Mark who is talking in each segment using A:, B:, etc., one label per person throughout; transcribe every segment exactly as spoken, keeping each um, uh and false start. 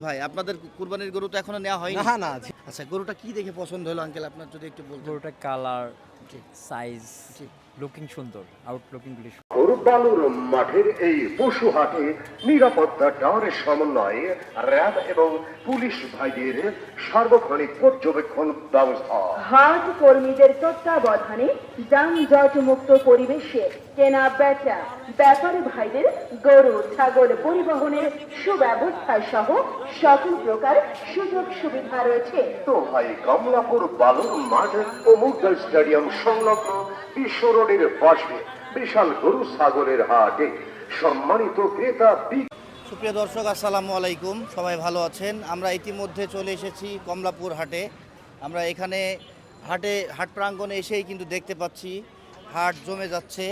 A: ভাই আপনাদের কুরবানির গরু তো এখনো নেওয়া হয়নি।
B: না না
A: আচ্ছা, গরুটা কি দেখে পছন্দ হলো আঙ্কেল, আপনার যদি একটু বলতেন।
C: গরুটার কালার,
A: জি
C: সাইজ,
A: জি।
C: লুকিং সুন্দর, আউট লুকিং গুলি
D: গরুবালুর মাঠের এই পশু হাটে নিরাপত্তা টাওয়ারের সমন্বয়ে র্যাব এবং পুলিশ ভাইদের সার্বক্ষণিক পর্যবেক্ষণ ব্যবস্থা।
E: হাট কর্মীদের তত্ত্বাবধানে যানজট মুক্ত পরিবেশে কেনা বেচা ব্যাপারী ভাইদের গরু ছাগল পরিবহনের সুব্যবস্থা সহ সকল প্রকার সুযোগ সুবিধা রয়েছে।
D: তো ভাই কমলাপুর বালুর মাঠ ও মুগদা স্টেডিয়াম সংলগ্ন বিশ্ব রোডের পাশে বিশাল গরু ছাগলের হাটে সম্মানিত ক্রেতা
A: সুপ্রিয় দর্শক, আসসালামু আলাইকুম। সবাই ভালো আছেন? আমরা ইতিমধ্যে চলে এসেছি কমলাপুর হাটে। আমরা এখানে হাটে হাট প্রাঙ্গণে এসেই কিন্তু দেখতে পাচ্ছি হাট জমে যাচ্ছে।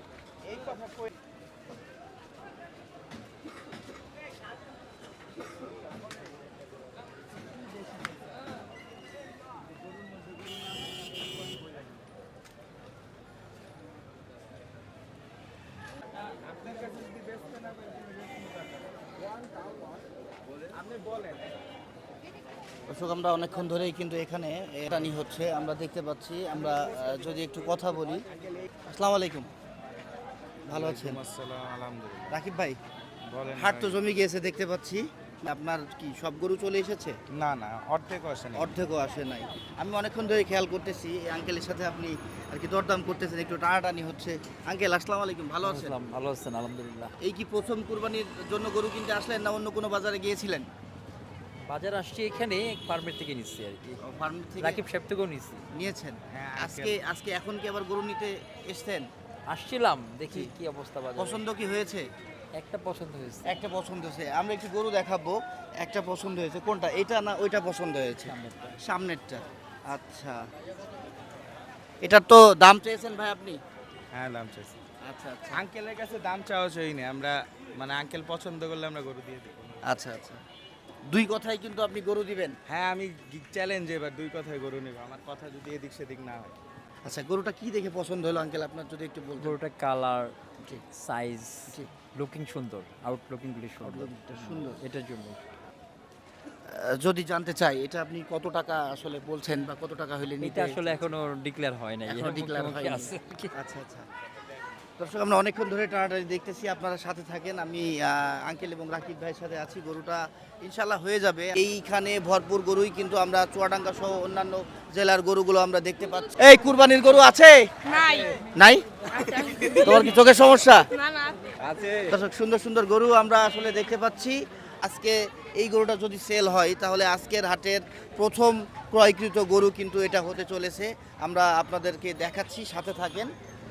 A: দর্শক, আমরা অনেকক্ষণ ধরেই কিন্তু এখানে রানি হচ্ছে, আমরা দেখতে পাচ্ছি। আমরা আহ, যদি একটু কথা বলি। আসসালামু আলাইকুম, ভালো আছেন?
B: আসসালাম, আলহামদুলিল্লাহ।
A: রাকিব ভাই,
B: বলেন
A: হাট তো
B: ভাই।
A: জমে গিয়েছে দেখতে পাচ্ছি। আপনার কি সব গরু চলে এসেছে?
B: না না অর্ধেক আসে না।
A: অর্ধেকও আসে নাই। আমি অনেকক্ষণ ধরে খেয়াল করতেছি এই আঙ্কেলের সাথে আপনি আর কি দরদাম করতেছেন, একটু টানাটানি হচ্ছে। আঙ্কেল আসসালামু আলাইকুম, ভালো আছেন?
C: আসলাম, ভালো আছেন? আলহামদুলিল্লাহ।
A: এই কি প্রথম কুরবানির জন্য গরু কিনতে আসলেন না অন্য কোনো বাজারে গিয়েছিলেন?
C: বাজার আসছি এখানে ফার্মের থেকে নিচ্ছি আর কি।
A: ফার্ম থেকে
C: রাকিব সাহেব থেকেও নিচ্ছি।
A: নিয়েছেন?
B: হ্যাঁ,
A: আজকে আজকে এখন কি আবার গরু নিতে এসছেন?
C: আসছিলাম, দেখি
A: জি।
C: কি অবস্থা বাজার।
A: পছন্দ কি হয়েছে?
C: একটা পছন্দ হয়েছে।
A: একটা পছন্দ হয়েছে। আমরা একটু গরু দেখাবো। একটা পছন্দ হয়েছে, কোনটা? এটা না ওইটা পছন্দ হয়েছে?
C: সামনেরটা।
A: সামনেরটা। আচ্ছা, এটার তো দাম চেয়েছেন ভাই আপনি?
B: হ্যাঁ দাম চাইছি।
A: আচ্ছা আচ্ছা
B: আঙ্কেলের কাছে দাম চাওয়া চাইনি আমরা, মানে আঙ্কেল পছন্দ করলে আমরা গরু দিয়ে দেবো।
A: আচ্ছা আচ্ছা। দুই কথাই কিন্তু আপনি গরু দিবেন?
B: হ্যাঁ আমি চ্যালেঞ্জ এবার দুই কথায় গরু নেব, আমার কথা যদি এদিক সেদিক না হয়।
A: আচ্ছা, গরুটা কি দেখে পছন্দ হলো আঙ্কেল, আপনার যদি একটু বলতেন।
C: গরুটার কালার,
A: জি
C: সাইজ,
A: জি।
C: লুকিং সুন্দর, আউট লুকিং গুলি সুন্দর,
A: Outlook-টা সুন্দর।
C: এটার জন্য।
A: আহ, যদি জানতে চাই এটা আপনি কত টাকা আসলে বলছেন বা কত টাকা হইলে নিতে?
C: এটা আসলে এখনো ডিক্লেয়ার হয় নাই।
A: এখনো
C: এর
A: ডিক্লেয়ার
C: মুখোমুখি
A: হয়নি।
C: আছে আর কি।
A: আচ্ছা আচ্ছা। দর্শক, আমরা অনেকক্ষণ ধরে টানাটানি দেখতেছি, আপনারা সাথে থাকেন। আমি আহ, আঙ্কেল এবং রাকিব ভাইয়ের সাথে আছি। গরুটা ইনশাল্লাহ হয়ে যাবে। এইখানে ভরপুর গরুই কিন্তু আমরা চুয়াডাঙ্গা সহ অন্যান্য জেলার গরুগুলো আমরা দেখতে পাচ্ছি। এই কুরবানির গরু আছে?
F: নাই
A: নাই? তোমার কি চোখের সমস্যা?
F: না না
B: আছে
A: দর্শক, সুন্দর সুন্দর গরু আমরা আসলে দেখতে পাচ্ছি। আজকে এই গরুটা যদি সেল হয় তাহলে আজকের হাটের প্রথম ক্রয়কৃত গরু কিন্তু এটা হতে চলেছে। আমরা আপনাদেরকে দেখাচ্ছি, সাথে থাকেন।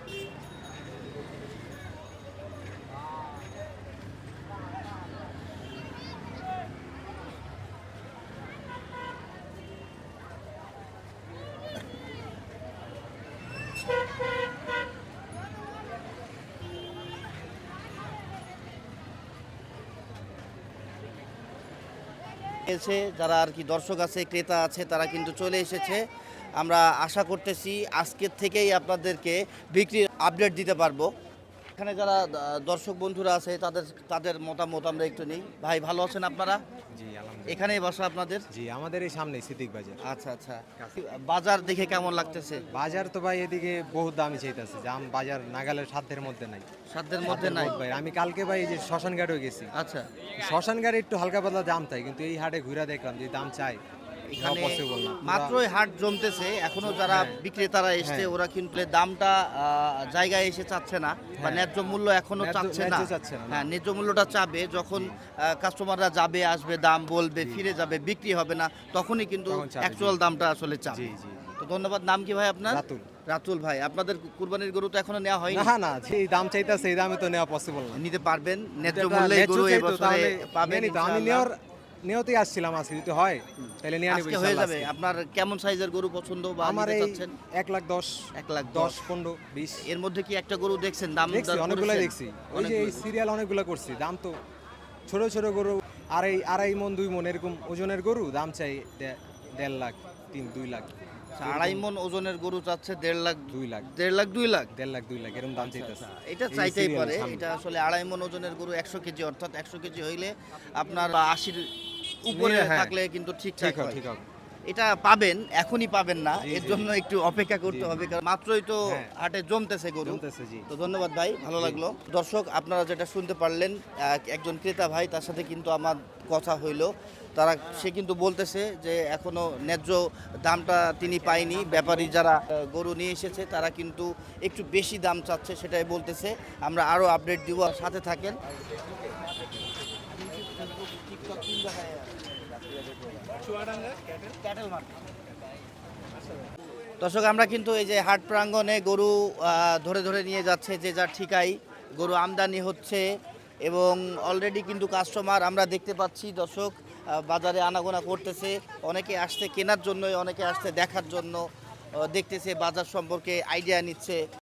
A: এসে যারা আর কি দর্শক আছে, ক্রেতা আছে, তারা কিন্তু চলে এসেছে। আমরা আশা করতেছি আজকের থেকেই আপনাদেরকে বিক্রির আপডেট দিতে পারবো। এখানে যারা আহ, দর্শক বন্ধুরা আছে তাদের তাদের মতামত আমরা একটু নিই। ভাই, ভালো আছেন আপনারা?
B: জি আলহামদুলিল্লাহ।
A: এখানেই বাসা আপনাদের?
B: জি আমাদের এই সামনে সিদ্দিক বাজার।
A: আচ্ছা আচ্ছা। বাজার দেখে কেমন লাগতেছে?
B: বাজার তো ভাই এদিকে বহুত দামি চাইতেছে, জাম বাজার নাগালের সাধ্যের মধ্যে নাই।
A: সাধ্যের মধ্যে নাই?
B: ভাই আমি কালকে ভাই এই যে শ্মশান ঘাটেও গেছি,
A: আচ্ছা।
B: শ্মশান ঘাটে একটু হালকা পাতলা দাম চাই, কিন্তু এই হাটে ঘুরে দেখলাম যে দাম চাই
A: এখানে
B: পসিবল না।
A: মাত্রই হাট জমতেছে, এখনো যারা
B: হ্যাঁ।
A: বিক্রেতারা এসছে
B: হ্যাঁ।
A: ওরা কিন্তু দামটা আহ, জায়গায় এসে চাচ্ছে না, বা
B: হ্যাঁ।
A: ন্যায্য মূল্য এখনো
B: ন্যায্য-
A: চাচ্ছে না।
B: ন্যায্য চাচ্ছে না, না।
A: হ্যাঁ, ন্যায্য মূল্যটা চাবে যখন কাস্টমাররা যাবে, আসবে, দাম বলবে, ফিরে যাবে, বিক্রি হবে না, তখনই কিন্তু
B: তখন চাবে, জি।
A: অ্যাকচুয়াল দামটা আসলে চাবে।
B: জি জি
A: তো ধন্যবাদ। নাম কি ভাই আপনার?
B: রাতুল।
A: রাতুল ভাই, আপনাদের কুরবানির গরু তো এখনো নেওয়া হয়নি?
B: না না যেই দাম চাইতেছে এই দামে তো নেওয়া পসিবল না।
A: নিতে পারবেন? ন্যায্য
B: যেটা
A: মূল্যে
B: ন্যায্য
A: গরু
B: চাইতো,
A: এবছরে
B: তাহলে
A: পাবেন
B: নিয়ে নিতো। আমি
A: ইনশাআল্লাহ।
B: নেওয়ার নিয়তেই আসছিলাম, আজকে যদি হয় তাহলে নিয়ে নিব
A: আজকে হয়ে
B: ইনশাআল্লাহ
A: যাবে।
B: আজকে।
A: আপনার কেমন সাইজের গরু পছন্দ বা
B: আমার
A: নিতে
B: এই
A: চাচ্ছেন?
B: এক লাখ দশ
A: এক লাখ
B: দশ
A: দশ।
B: পনেরো বিশ
A: এর মধ্যে কি একটা গরু দেখছেন দাম
B: দেখছি,
A: দর
B: অনেকগুলো
A: করেছেন?
B: দেখছি। ওই যে
A: অনেকগুলো
B: এই সিরিয়াল অনেকগুলো করছি, দাম তো ছোট ছোট গরু আড়াই আড়াই মন দুই মন এরকম ওজনের গরু দাম চাই দে- দেড় লাখ তিন দুই লাখ
A: আচ্ছা, আড়াই মন ওজনের গরু চাচ্ছে দেড় লাখ
B: দুই লাখ
A: দেড় লাখ দুই লাখ।
B: দেড় লাখ দুই লাখ এরকম দাম চাইতেছে।
A: এটা
B: এই
A: চাইতেই
B: serial
A: পারে।
B: সামনে।
A: এটা আসলে আড়াই মন ওজনের গরু একশো কেজি, অর্থাৎ একশো কেজি হইলে আপনার আশির উপরে
B: নিলে, হ্যাঁ।
A: থাকলে কিন্তু ঠিকঠাক
B: ঠিক হবে
A: হয়
B: ঠিক হবে
A: এটা পাবেন এখনই পাবেন না
B: জি,
A: এর
B: জি,
A: জন্য একটু অপেক্ষা করতে
B: জি।
A: হবে কারণ মাত্রই তো
B: হ্যাঁ।
A: হাটে জমতেছে গরু
B: জমতেছে, জি।
A: তো ধন্যবাদ ভাই ভালো
B: জি।
A: লাগলো দর্শক আপনারা যেটা শুনতে পারলেন এক- একজন ক্রেতা ভাই তার সাথে কিন্তু আমার কথা হইলো তারা সে কিন্তু বলতেছে যে এখনো ন্যায্য দামটা তিনি পায়নি ব্যাপারী যারা আহ, গরু নিয়ে এসেছে তারা কিন্তু একটু বেশি দাম চাচ্ছে সেটাই বলতেছে আমরা আরো আপডেট দিব সাথে থাকেন দর্শক আমরা কিন্তু এই যে হাট প্রাঙ্গণে গরু আহ, ধরে ধরে নিয়ে যাচ্ছে যে যার ঠিকাই গরু আমদানি হচ্ছে এবং অলরেডি কিন্তু কাস্টমার আমরা দেখতে পাচ্ছি দর্শক আহ, বাজারে আনাগোনা করতেছে অনেকে আসছে কেনার জন্য অনেকে আসছে দেখার জন্য আহ, দেখতেছে বাজার সম্পর্কে আইডিয়া নিচ্ছে